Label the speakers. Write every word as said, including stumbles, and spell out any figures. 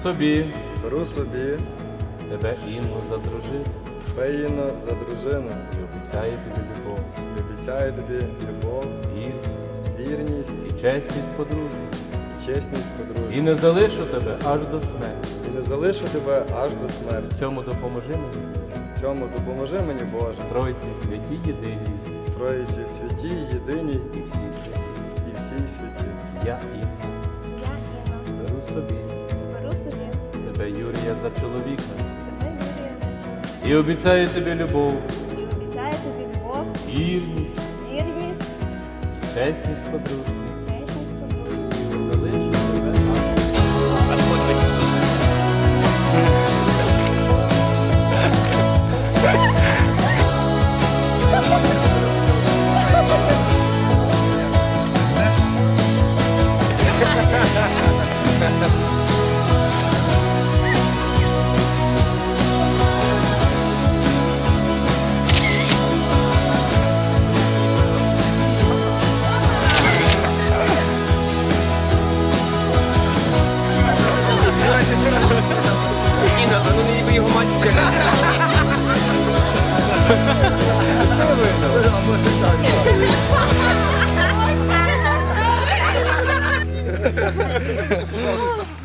Speaker 1: собі
Speaker 2: беру собі
Speaker 1: тебе Інну за дружину
Speaker 2: Пеїну за дружину
Speaker 1: і обіцяю тобі любов,
Speaker 2: і обіцяю тобі любов,
Speaker 1: вірність
Speaker 2: вірність
Speaker 1: і чесність подружню.
Speaker 2: і чесність
Speaker 1: І
Speaker 2: подружжя.
Speaker 1: не залишу тебе аж до смерті.
Speaker 2: І не залишу тебе аж до смерті.
Speaker 1: В цьому допоможи мені,
Speaker 2: В цьому допоможи мені, Боже,
Speaker 1: Тройці святі єдиній
Speaker 2: Троїці святі, єдиній
Speaker 1: і всі святі.
Speaker 2: і всій святі.
Speaker 1: Я Інна
Speaker 3: Я Інна,
Speaker 1: беру собі
Speaker 3: беру собі
Speaker 1: тебе, Юрія, за чоловіка
Speaker 3: тебе, Юрія,
Speaker 1: і обіцяю тобі любов,
Speaker 3: і обіцяю тобі любов,
Speaker 1: вірність
Speaker 3: вірність,
Speaker 1: і чесність подружню.
Speaker 3: чесність подружжя.
Speaker 1: Не залишу тебе аж.
Speaker 4: Інна, а ну не їби його мать ще.
Speaker 2: Або так.